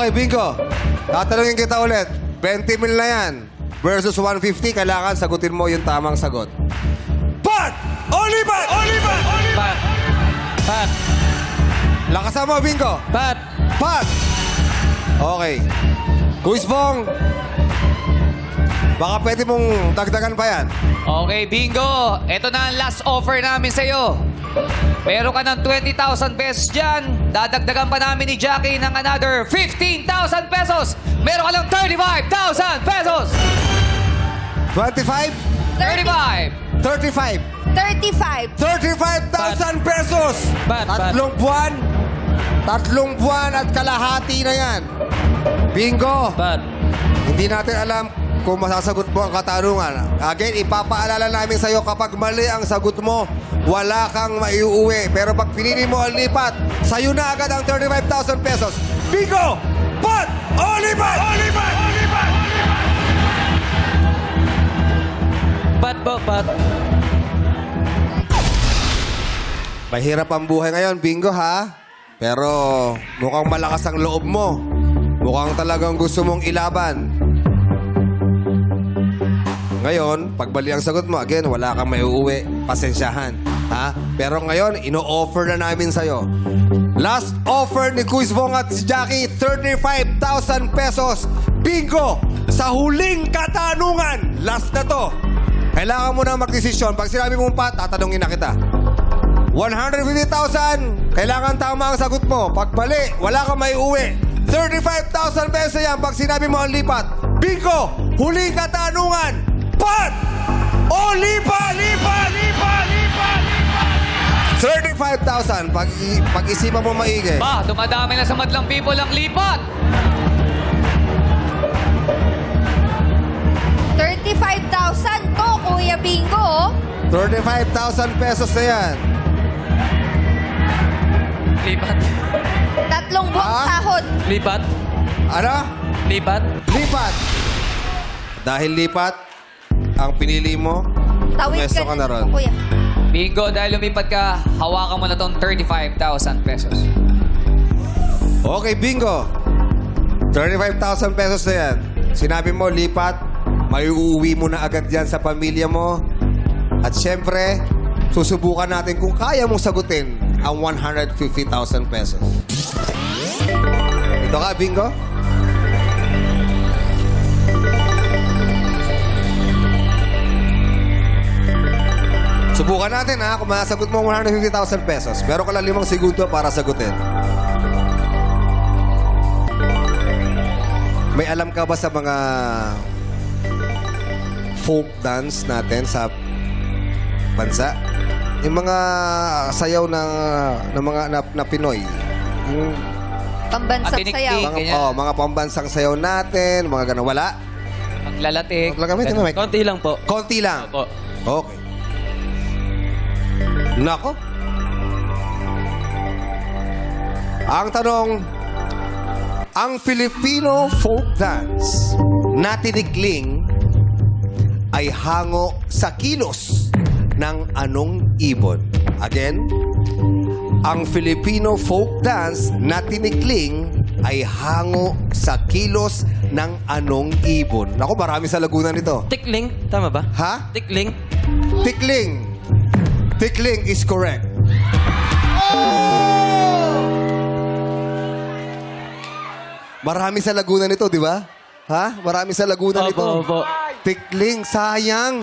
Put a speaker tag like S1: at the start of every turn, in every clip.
S1: Okay, bingo. Tatanungin kita ulit. 20 mil na yan. Versus 150, kailangan sagutin mo yung tamang sagot. Pat! Olipat! Olipat!
S2: Pat. Pat.
S1: Lakasan mo, bingo.
S2: Pat.
S1: Pat! Okay. Quiz Bong. Baka pwede mong dagdagan pa yan.
S3: Okay, bingo. Ito na ang last offer namin sa'yo. Meron ka ng 20,000 pesos dyan. Dadagdagan pa namin ni Jackie ng another 15,000 pesos. Meron ka ng 35,000 pesos.
S1: 25?
S3: 35.
S1: 35.
S4: 35.
S1: 35,000 pesos!
S2: Pat.
S1: Tatlong buwan at kalahati na yan. Bingo!
S2: Pat.
S1: Hindi natin alam kung masasagot mo ang katanungan. Again, ipapaalala namin sa'yo kapag mali ang sagot mo, wala kang maiuwi. Pero pag pinili mo ang lipat, sa'yo na agad ang 35,000 pesos. Bingo! Pat! Olipat! Olipat! Olipat!
S2: Pat po, pat.
S1: Mahirap ang buhay ngayon, bingo ha? Pero mukhang malakas ang loob mo. Mukhang talagang gusto mong ilaban. Ngayon, pag mali ang sagot mo, again, wala kang maiuwi. Pasensyahan. Ha? Pero ngayon, ino-offer na namin sa'yo. Last offer ni Quiz Bong at si Jackie, 35,000 pesos. Bingo! Sa huling katanungan, last na to. Kailangan mo na magdesisyon. Pag sinabi mong pat, tatanungin na kita. 150,000, kailangan tama ang sagot mo. Pag mali, wala kang maiuwi. 35,000 pesos yan pag sinabi mo ang lipat. Bingo! Huling katanungan! Pat! O lipat! Lipat! Lipat! Lipat! 35,000. Pag-isipan mo maigi.
S3: Ba, dumadami na sa madlang people ang lipat.
S4: 35,000 to, Kuya Bingo.
S1: 35,000 pesos na yan.
S2: Lipat.
S4: Tatlong buwang
S1: Ah?
S4: sahod.
S2: Lipat.
S1: Ano?
S2: Lipat.
S1: Lipat. Dahil lipat, ang pinili mo,
S4: Tawid
S1: pwesto
S4: ka
S1: ka na ron.
S4: Kuya.
S3: Bingo, dahil lumipat ka, hawakan mo na tong 35,000 pesos.
S1: Okay, bingo. 35,000 pesos na yan. Sinabi mo, lipat, may uuwi mo na agad yan sa pamilya mo. At syempre, susubukan natin kung kaya mong sagutin ang 150,000 pesos. Ito ka, bingo. Subukan natin ha, kung masagot mo ang 150,000 pesos. Meron ka lang 5 segundo para sagutin. May alam ka ba sa mga folk dance natin sa bansa? Yung mga sayaw na Pinoy. Yung
S4: Pambansang
S3: Atinik-tik.
S4: sayaw.
S3: Ganyan.
S1: mga pambansang sayaw natin, mga ganun. Wala?
S3: Maglalatik.
S1: Gamitin mo, Mike.
S2: Konti lang po.
S1: Konti lang.
S2: Opo.
S1: Okay. Nako. Ang tanong, ang Filipino folk dance na tinikling ay hango sa kilos ng anong ibon? Again, ang Filipino folk dance na tinikling ay hango sa kilos ng anong ibon? Nako, marami sa Laguna nito.
S2: Tikling. Tama ba?
S1: Ha?
S2: Tikling.
S1: Tikling. Tikling is correct. Marami sa Laguna nito, di ba? Ha? Marami sa Laguna nito.
S2: Opo.
S1: Tikling, sayang.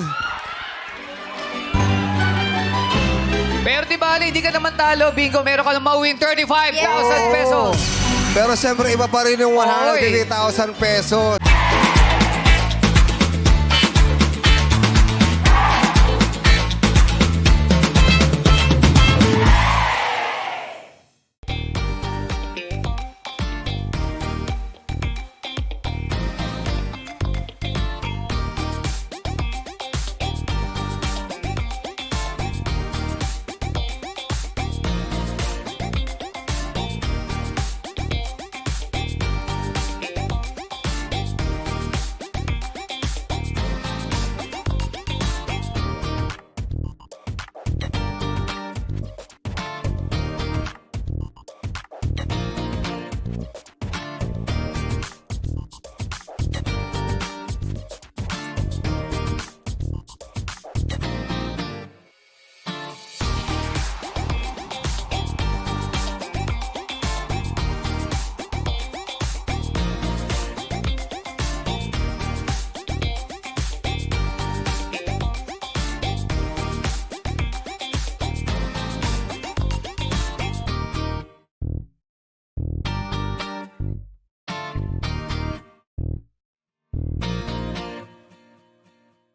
S3: Pero di bali, hindi ka naman talo. Bingo, meron ka na mauwing 35,000 pesos.
S1: Pero siyempre, iba pa rin yung 150,000 pesos.